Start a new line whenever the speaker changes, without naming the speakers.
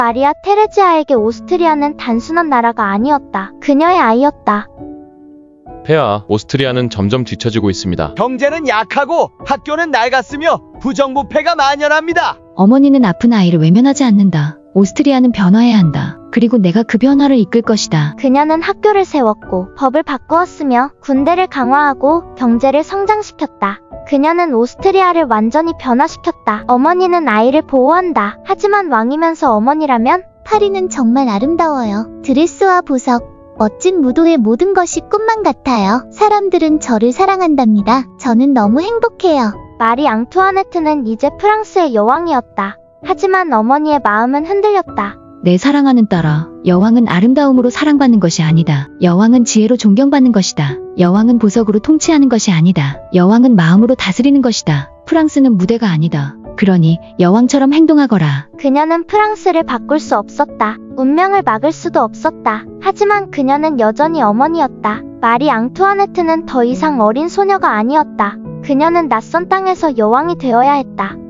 마리아 테레지아에게 오스트리아는 단순한 나라가 아니었다. 그녀의 아이였다.
폐하, 오스트리아는 점점 뒤처지고 있습니다.
경제는 약하고 학교는 낡았으며 부정부패가 만연합니다.
어머니는 아픈 아이를 외면하지 않는다. 오스트리아는 변화해야 한다. 그리고 내가 그 변화를 이끌 것이다.
그녀는 학교를 세웠고 법을 바꾸었으며 군대를 강화하고 경제를 성장시켰다. 그녀는 오스트리아를 완전히 변화시켰다. 어머니는 아이를 보호한다. 하지만 왕이면서 어머니라면
파리는 정말 아름다워요. 드레스와 보석, 멋진 무도의 모든 것이 꿈만 같아요. 사람들은 저를 사랑한답니다. 저는 너무 행복해요.
마리 앙투아네트는 이제 프랑스의 여왕이었다. 하지만 어머니의 마음은 흔들렸다.
내 사랑하는 딸아, 여왕은 아름다움으로 사랑받는 것이 아니다. 여왕은 지혜로 존경받는 것이다. 여왕은 보석으로 통치하는 것이 아니다. 여왕은 마음으로 다스리는 것이다. 프랑스는 무대가 아니다. 그러니 여왕처럼 행동하거라.
그녀는 프랑스를 바꿀 수 없었다. 운명을 막을 수도 없었다. 하지만 그녀는 여전히 어머니였다. 마리 앙투아네트는 더 이상 어린 소녀가 아니었다. 그녀는 낯선 땅에서 여왕이 되어야 했다.